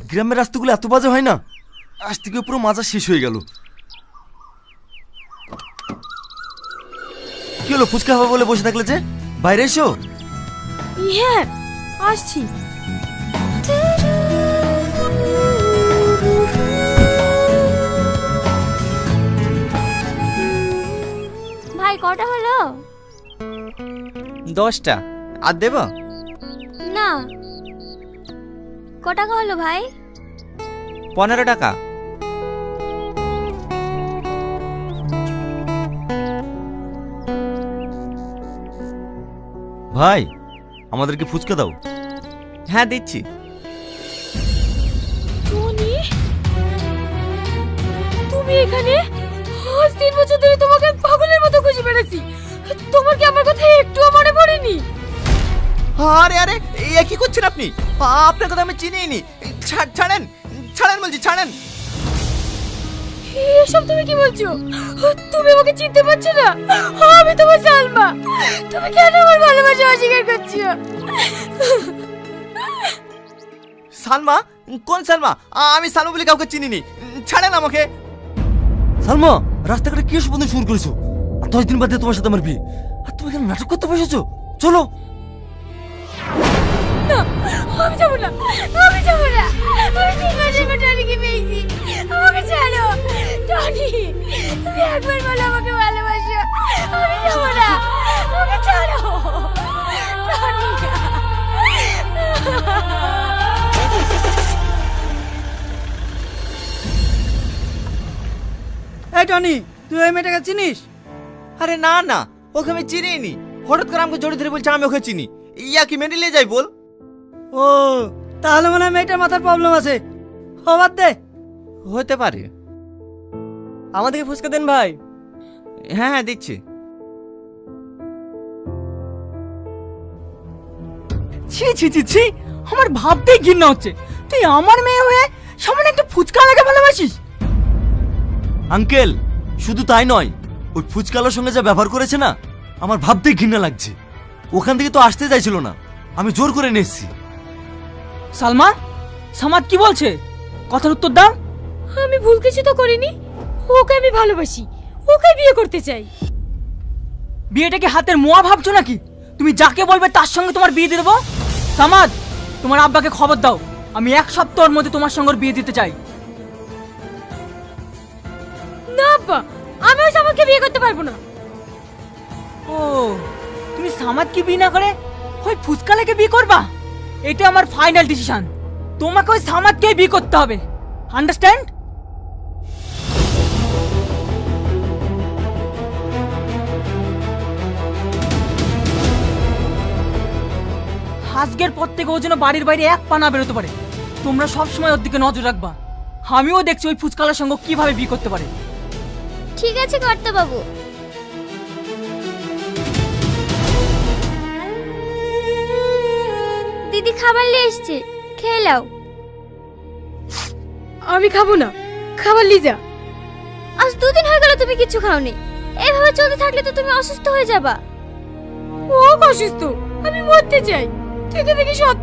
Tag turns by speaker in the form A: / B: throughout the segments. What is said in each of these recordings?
A: গ্রামের রাস্তাগুলো এত বাজে হয় না, আজ থেকে পুরো মাজা শেষ হয়ে গেল। কি হলো, ফুচকা খাবো বলে বসে থাকলে যে? বাইরে এসো।
B: হ্যাঁ আসছি।
C: ভাই কটা হলো?
D: 10টা। আর দেব
C: না। ক টাকা হলো ভাই?
D: 15 টাকা।
A: ভাই আমাদেরকে ফুচকা দাও।
D: হ্যাঁ দিচ্ছি।
B: টনি, তুমি এখানে? আজ 3 বছর ধরে তোমাকে পাগলের মতো খুঁজে বেড়াচ্ছি। তোমার কি আমার কথা একটুও মনে পড়েনি?
D: আরে আরে এ কি করছেন আপনি? আপনার কথা আমি চিনিই নি। ছাড়েন ছাড়েন বলছি, ছাড়েন।
B: এসব তুমি কি বলছো? তুমি আমাকে চিনতে পারছো না? আমি তোমার সালমা। তুমি কেন আমার ভালোবাসা অস্বীকার করছো?
D: সালমা? কোন সালমা? আমি সালমা বলে কাউকে চিনিনি। ছাড়েন আমাকে।
A: সালমা, রাস্তাঘাটে কি এসব বন্ধু শুরু করেছো? আর 10 দিন বাদে তোমার সাথে আমার বিয়ে, আর তুমি কেন নাটক করতে বসেছো? চলো।
B: না, আমি যাবো না, আমি যাবো না। আমি 3 মাসের পর টনিকে পেয়েছি। আমাকে ছাড়ো টনি, তুমি একবার বলো আমাকে ভালোবাসো। আমি যাবো না, আমাকে ছাড়ো টনি।
E: এই টনি, তুই ওই মেয়েটাকে চিনিস?
D: আরে না না, ওকে আমি চিনিই নি। হঠাৎ করে আমাকে জড়িয়ে ধরে বলছে আমি ওকে চিনি। ইয়া কি মেনে নিয়ে যাই বল?
E: ও, তাহলে মনে হয় মেয়েটার মাথার প্রবলেম আছে। ও বাদ দে।
D: হতে পারে।
E: আমাদেরকে ফুচকা দেন ভাই।
D: হ্যাঁ হ্যাঁ দিচ্ছি।
E: ছি ছি ছি ছি, আমার ভাবতেই ঘৃণা হচ্ছে। তুই আমার মেয়ে হয়ে সামনে একটা ফুচকা লাগে ভালোবাসিস?
A: আঙ্কেল, শুধু তাই নয়, ওই ফুচকালার সঙ্গে যা ব্যবহার করেছে না, আমার ভাবতেই ঘৃণা লাগছে। ওখান থেকে তো আসতে চাইছিল না, আমি জোর করে নিয়ে এসেছি।
E: সালমা, সামাদ কি বলছে? কথার উত্তর দাও।
B: আমি ভুল কিছু তো করিনি। ওকে আমি ভালোবাসি, ওকে বিয়ে করতে চাই।
E: বিয়েটাকে হাতের মোয়া ভাবছো নাকি? তুমি যাকে বলবে তার সঙ্গে তোমার বিয়ে দিয়ে দেবো। সামাদ, তোমার আব্বাকে খবর দাও, আমি 1 সপ্তাহের মধ্যে তোমার সঙ্গে ওর বিয়ে দিতে চাই।
B: না আব্বা, আমি ওই সামাদকে বিয়ে করতে পারবো না।
E: ও, তুমি সামাদকে বিয়ে না করে ওই ফুচকালাকে বিয়ে করবা? এটা আমার ফাইনাল ডিসিশন। তোমাকে ওই সামাদকে বিয়ে করতে হবে, আন্ডারস্ট্যান্ড? আজকের পর থেকে ও যেন বাড়ির বাইরে 1 পা না বেরোতে পারে। তোমরা সবসময় ওর দিকে নজর রাখবা। আমিও দেখছি ওই ফুচকালার সঙ্গে কিভাবে বিয়ে করতে পারে।
C: ঠিক আছে কর্তা বাবু। দিদি খাবার নিয়ে এসছে, খেয়ে নাও।
B: আমি খাবো না, খাবার নিয়ে যা।
C: আজ 2 দিন হয়ে গেল তুমি কিছু খাওনি। এভাবে চলতে থাকলে তো তুমি অসুস্থ হয়ে যাবা।
B: ও অসুস্থ, আমি মরতে চাই। থেকে দেখি সত্য।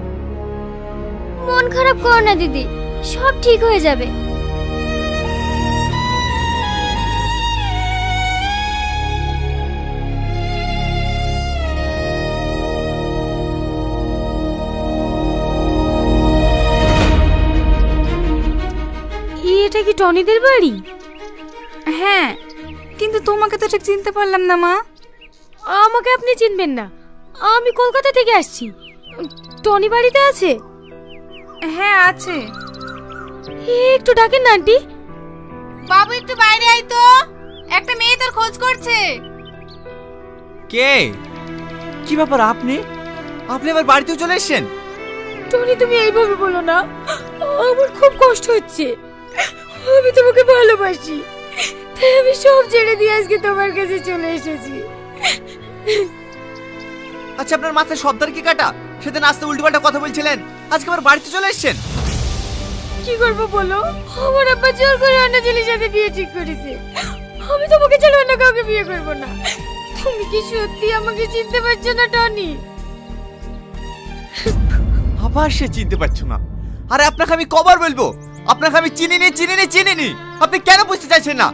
C: মন খারাপ করো না দিদি, সব ঠিক হয়ে যাবে।
B: এটা কি টনিদের বাড়ি?
F: হ্যাঁ, কিন্তু তোমাকে তো ঠিক চিনতে পারলাম না মা।
B: আমাকে আপনি চিনবেন না, আমি কলকাতা থেকে আসছি। টনি বাড়িতে আছে?
F: হ্যাঁ আছে।
B: একটু ডাকেন না আন্টি।
F: বাবু একটু বাইরে আয় তো, একটা মেয়ে তোর খোঁজ করছে।
D: কে? কি ব্যাপার, আপনি আপনি আবার বাড়িতেও চলে এসেছেন?
B: টনি তুমি এইভাবে বলো না, আমার খুব কষ্ট হচ্ছে। আমি তোমাকে ভালোবাসি, তাই আমি সব ছেড়ে দিয়ে আজকে তোমার কাছে চলে এসেছি।
D: আচ্ছা, আপনার মাথায় সবদার কি কাটা? সেদিন আসতে উল্টোপাল্টা কথা বলছিলেন, আজকে আবার বাড়িতে চলে এসেছেন।
B: কি করবো বলো, আমার আব্বা জোর করে অন্য ছেলের সাথে বিয়ে ঠিক করেছে। আমি তোমাকে ছাড়া অন্য কাউকে বিয়ে করবো না। তুমি কি সত্যি আমাকে চিনতে পারছো না টনি?
D: আবার সে চিনতে পারছো না? আরে আপনাকে আমি কবার বলবো, আপনাকে আমি চিনিনি। আপনি কেন বুঝতে চাইছেন না?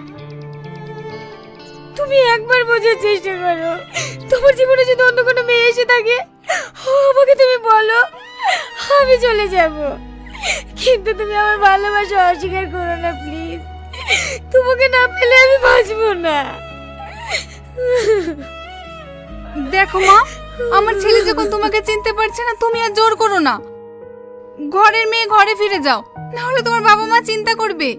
B: তুমি একবার বোঝার চেষ্টা করো। তোমার জীবনে যদি অন্য কোনো মেয়ে এসে থাকে, আমাকে তুমি বলো, আমি চলে যাব। কিন্তু তুমি আমার ভালোবাসা অস্বীকার করো না প্লিজ। তোমাকে না পেলে আমি বাঁচবো না।
F: দেখো মা, আমার ছেলে যখন তোমাকে চিনতে পারছে না, তুমি আর জোর করো না। ঘরের মেয়ে ঘরে ফিরে যাও, না হলে তোমার বাবা মা চিন্তা করবে।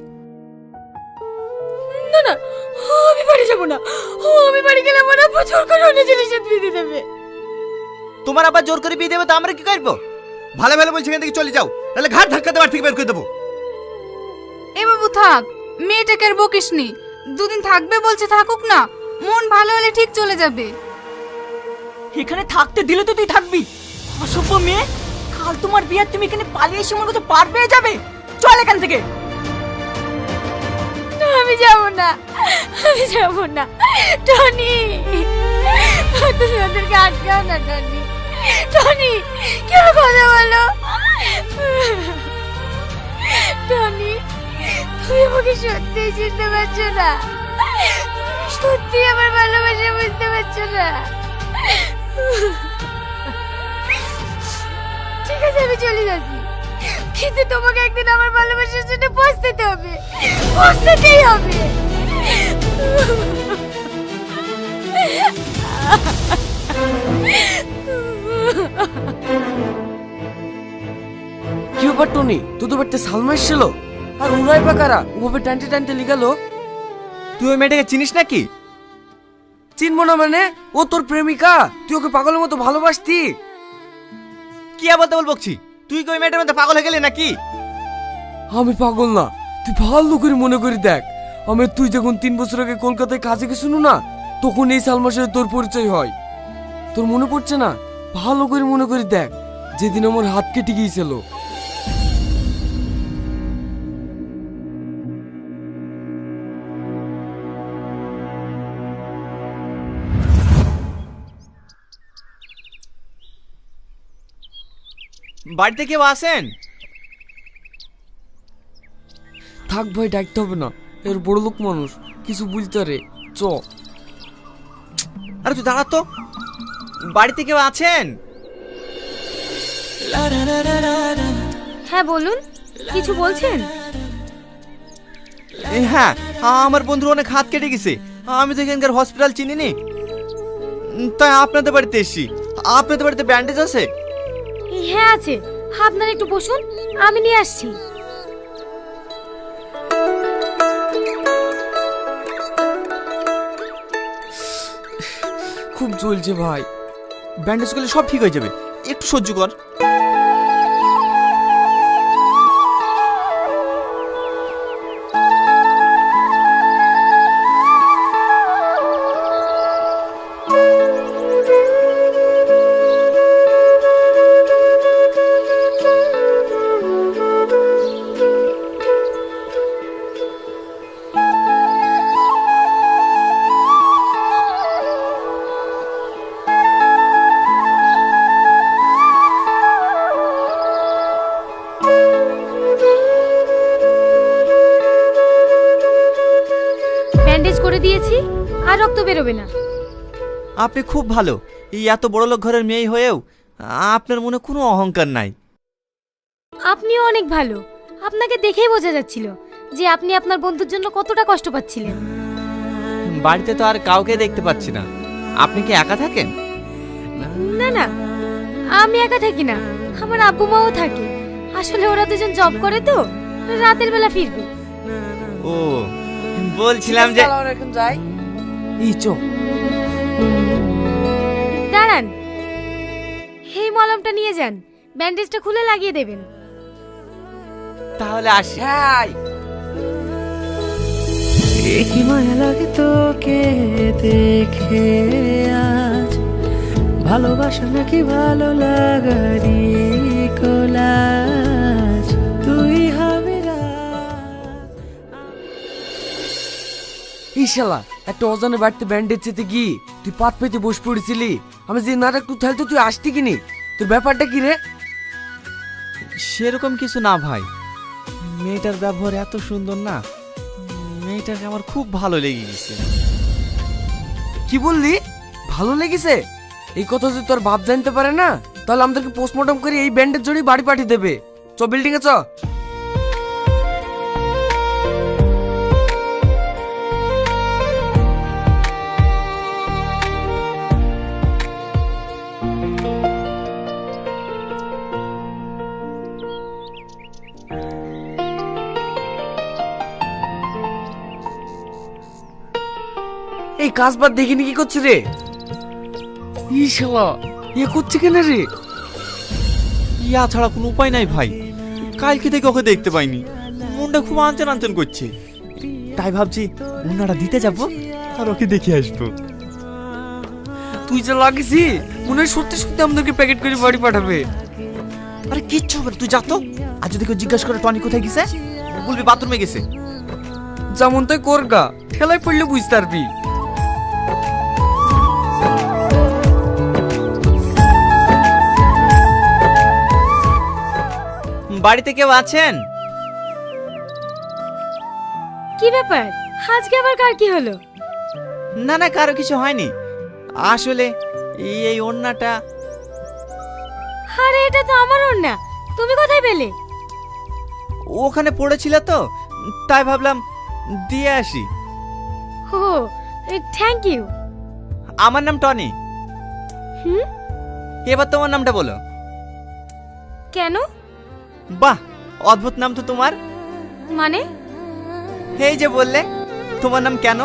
B: না না, আমি বাড়ি যাবো না। আমি বাড়ি গেলে আমার আব্বু জোর করে অন্য ছেলের সাথে বিয়ে দিয়ে দেবে।
D: তোমার আবার জোর করে বিয়ে দেবে তো আমরা কি করবো? ভালো বলছি এখান থেকে চলে যাও, তাহলে ঘাট ধাক্কাতে বাড়ি থেকে বের করে দেবো।
F: এ বাবু থাক, মেয়েটাকে আর বকিসনি। দুদিন থাকবে বলছে, থাকুক না, মন ভালো হলে ঠিক চলে যাবে।
E: এখানে থাকতে দিলে তো তুই থাকবি। অসভ্য মেয়ে, কাল তোমার বিয়ে, তুমি এখানে পালিয়ে এসে আমার কাছে পার পেয়ে যাবে। চল এখান থেকে।
B: না, আমি যাব না, আমি যাব না। টনি, তুমি ওদেরকে আটকাও না। টনি কেন কথা বলো? টনি, তুমি আমাকে সত্যি চিনতে পারছো না? সত্যি আমার ভালোবাসা বুঝতে পারছো না? ঠিক আছে, আমি চলে যাচ্ছি, কিন্তু তোমাকে একদিন আমার ভালোবাসার জন্য পৌঁছতে হবে, পৌঁছতেই হবে।
G: কি ব্যাপার টনি, তোদের বাড়িতে সালমা এসেছিল? আর ওরাই বা কারা? ওভাবে টানতে টানতে লিগালো।
D: তুই ওই মেয়েটাকে চিনিস নাকি?
G: চিনবো না মানে? ও তোর প্রেমিকা, তুই ওকে পাগলের মতো ভালোবাসতি।
D: কি আবার বলছি? তুই কি ওই মেয়েটার মধ্যে পাগল হয়ে গেলি নাকি?
G: আমি পাগল না, তুই ভালো করে মনে করে দেখ। তুই যখন 3 বছর আগে কলকাতায় কাজে গেছিল না, তখন এই সালমার সাথে তোর পরিচয় হয়। তোর মনে পড়ছে না? ভালো করে মনে করে দেখ, যেদিন আমার হাত কেটে গিয়েছিল।
D: বাড়িতে কেউ আসেন?
G: থাক ভাই, ডাকতে হবে না, এর বড় লোক মানুষ, কিছু বলতে রে। চ।
D: আরে তুই দাঁড়া তো, বাড়িতে কেউ আছেন?
B: হ্যাঁ বলুন, কিছু বলছেন?
D: হ্যাঁ, আমার বন্ধুর অনেক হাত কেটে গেছে, আমি তো এখানকার হসপিটাল চিনিনি, তাই আপনাদের বাড়িতে এসেছি। আপনাদের বাড়িতে ব্যান্ডেজ আছে?
B: হ্যাঁ আছে, আপনারা একটু বসুন, আমি নিয়ে আসছি।
G: খুব জ্বলছে ভাই।
D: ব্যান্ডেজ করলে সব ঠিক হয়ে যাবে, একটু সহ্য কর।
B: ব্যান্ডেজ করে দিয়েছি, আর রক্ত বেরোবে না।
D: আপনি খুব ভালো, এই এত বড় লোক ঘরের মেয়ে হয়েও আপনার মনে কোনো অহংকার নাই।
B: আপনিও অনেক ভালো, আপনাকে দেখেই বোঝা যাচ্ছিল যে আপনি আপনার বন্ধুর জন্য কতটা কষ্ট পাচ্ছিলেন।
D: বাড়িতে তো আর কাউকে দেখতে পাচ্ছি না, আপনি কি একা থাকেন?
B: না না, আমি একা থাকি না, আমার আব্বু মাও থাকে। আসলে ওরা দুজন জব করে তো, রাতের বেলা ফিরবে।
D: ও, বলছিলাম যে
G: এখন যাই। এই চ।
B: দাঁড়ান, এই মলমটা নিয়ে যান, ব্যান্ডেজটা খুলে লাগিয়ে দেবেন।
D: তাহলে আসি।
G: হ্যাঁ।
H: কি মায়া লাগে তোকে দেখে আজ, ভালোবাসা নাকি ভালো লাগারি কোলাজ, তুই হবে
G: এই শালা, একটা অজানে বাড়িতে ব্যান্ডেজ চেতে গিয়ে তুই পাত পেতে বসে পড়েছিলি। আমি যে নাটক তুই থালতে তুই আসতি কিনি? তোর ব্যাপারটা কি রে?
D: সেরকম কিছু না ভাই, মেয়েটার ব্যবহার এত সুন্দর না, মেয়েটাকে আমার খুব ভালো লেগে গেছে।
G: কি বললি? ভালো লেগেছে? এই কথা যদি তোর বাপ জানতে পারে না, তাহলে আমাদেরকে পোস্টমর্টম করে এই ব্যান্ডের জড়িয়ে বাড়ি পাঠিয়ে দেবে। চ বিল্ডিং এ চ। এই কাজ বাদ দেখিনি কি করছে রে? ই শালা, এ করছে কেন রে?
D: ইয়া ছাড়া কোনো উপায় নাই ভাই, কালকে থেকে ওকে দেখতে পাইনি, মনটা খুব আনচান আনচান করছে, তাই ভাবছি ওনারা দিতে যাব আর ওকে দেখে আসবো।
G: তুই যা লাগিসি, মনে হয় সত্যি সত্যি আমাদেরকে প্যাকেট করে বাড়ি পাঠাবে।
D: আরে কিচ্ছু হবে না, তুই যা তো। আর যদি কেউ জিজ্ঞাসা করে টনি কোথায় গেছে, বলবি বাথরুমে গেছে।
G: যেমন তাই করগা, ঠেলায় পড়লে বুঝতে পারবি।
D: বাড়িতে কেউ আছেন?
B: কি ব্যাপার, আজকে আবার কার কি হলো?
D: না না, কারো কিছু হয়নি, আসলে এই ওড়নাটা।
B: আরে এটা তো আমার ওড়না, তুমি কোথায় পেলে?
D: ওখানে পড়েছিল তো, তাই ভাবলাম দিয়ে আসি।
B: ও থ্যাংক ইউ।
D: আমার নাম টনি।
B: হুম,
D: এবার তোমার নামটা বলো।
B: কেন?
D: বাহ, অদ্ভুত নাম তো তোমার।
B: মানে?
D: এই যে বললে তোমার নাম কেন।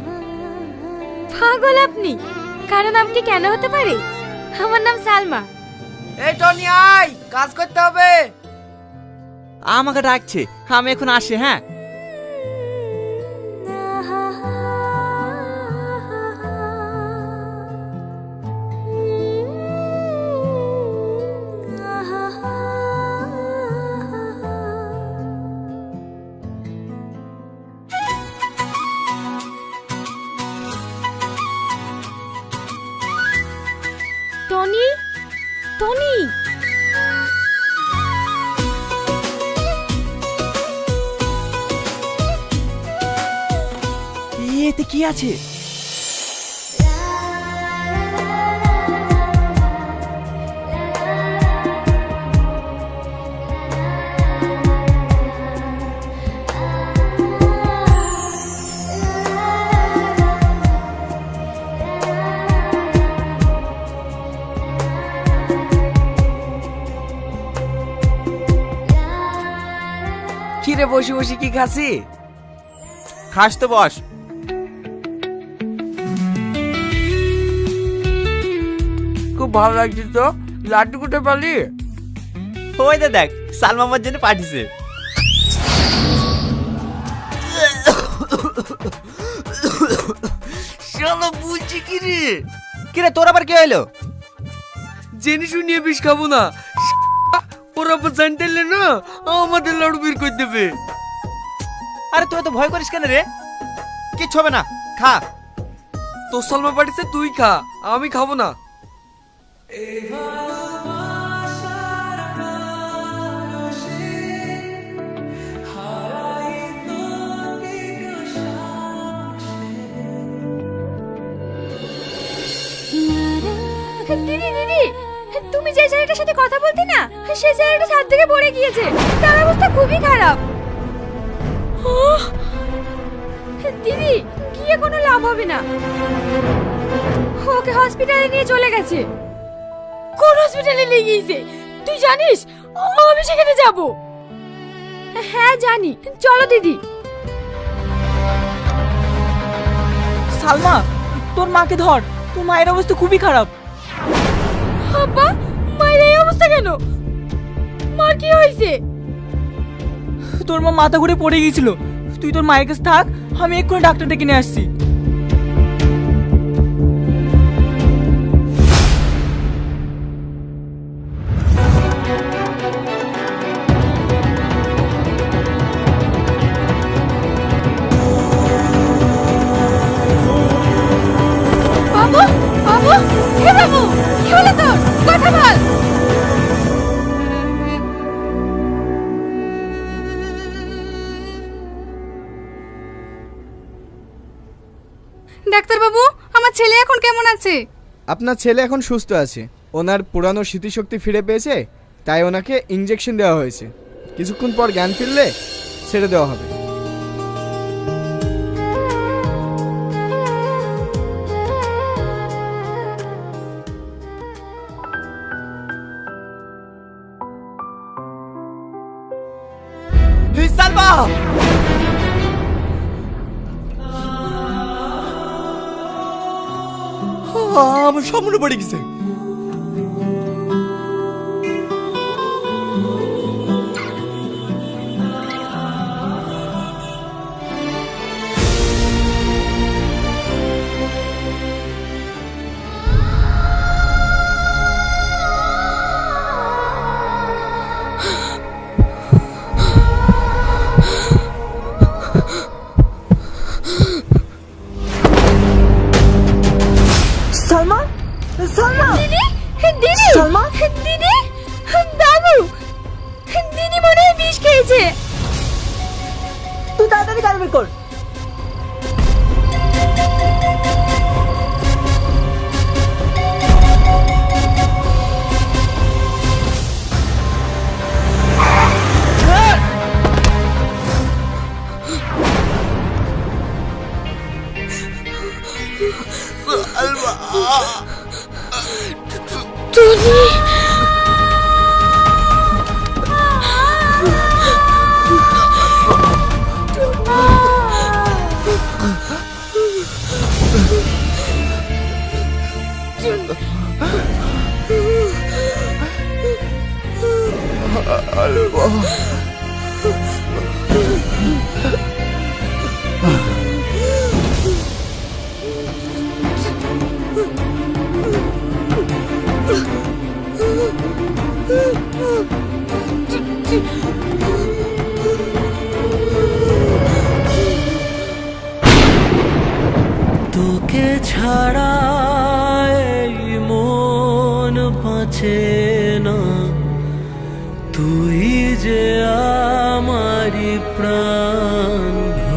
B: পাগল আপনি, কারো নাম কি কেন হতে পারে? আমার নাম সালমা।
G: এই টনি আয়, কাজ করতে হবে।
D: আমাকে ডাকছে, আমি এখন আসি। হ্যাঁ,
B: টনি, টনি,
D: এতে কি আছে?
G: কিরে বসে বসে কি খাসি?
D: খাস তো বস।
G: খুব ভালো লাগছে তো। লাড্ডু কোথায় পালি?
D: ওই দে দেখ, সালমা আমার জন্য পাঠিয়েছে।
G: শালা বলছি কি রে?
D: কিরে তোর আবার কি হইলো?
G: জেনে শুনিয়ে বিষ খাবো না। ওরা আবার জানতে এলে না, আমাদের লাড়ু বের করে দেবে।
D: আরে তুই তো ভয় করিস কেন রে? কিচ্ছু হবে না, খা।
G: তোর সালমা পাঠিয়েছে, তুই খা, আমি খাবো না।
B: দিদি দিদি, তুমি যে ছেলেটার সাথে কথা বলতে না, সেই ছেলেটা ছাদ থেকে পড়ে গিয়েছে, তার অবস্থা খুবই খারাপ। দিদি, গিয়ে কোনো লাভ হবে না, ওকে হসপিটালে নিয়ে চলে গেছে। কোন হসপিটালে নিয়ে গিয়েছে তুই জানিস? আমি সেখানে যাব। হ্যাঁ জানি, চলো দিদি।
E: সালমা, তোর মাকে ধর, তোর মায়ের অবস্থা খুবই খারাপ।
B: আব্বা, মায়ের এই অবস্থা কেন? মার কি হয়েছে?
E: তোর মা মাথা ঘুরে পড়ে গিয়েছিল। তুই তোর মায়ের কাছে থাক, আমি এক্ষুনি ডাক্তার ডেকে নিয়ে আসছি।
B: বাবু, বাবু, হে বাবু, কি হলো তোর? কথা বল।
F: ডাক্তারবাবু, আমার ছেলে এখন কেমন আছে?
I: আপনার ছেলে এখন সুস্থ আছে। ওনার পুরানো স্মৃতিশক্তি ফিরে পেয়েছে, তাই ওনাকে ইঞ্জেকশন দেওয়া হয়েছে। কিছুক্ষণ পর জ্ঞান ফিরলে ছেড়ে দেওয়া হবে।
A: সালমা, আমার সব মনে পড়ে গেছে।
E: সালমা, সালমা,
B: দিদি, দিদি,
E: সালমা,
B: দিদি, বাবু, দিদি মনে হয় বিষ খেয়েছে।
E: তুই তাড়াতাড়ি গাড়ি বের কর।
B: টনি,
H: তোকে ছাড়া এই মন বাঁচে না, তুই যে আমারি প্রাণ।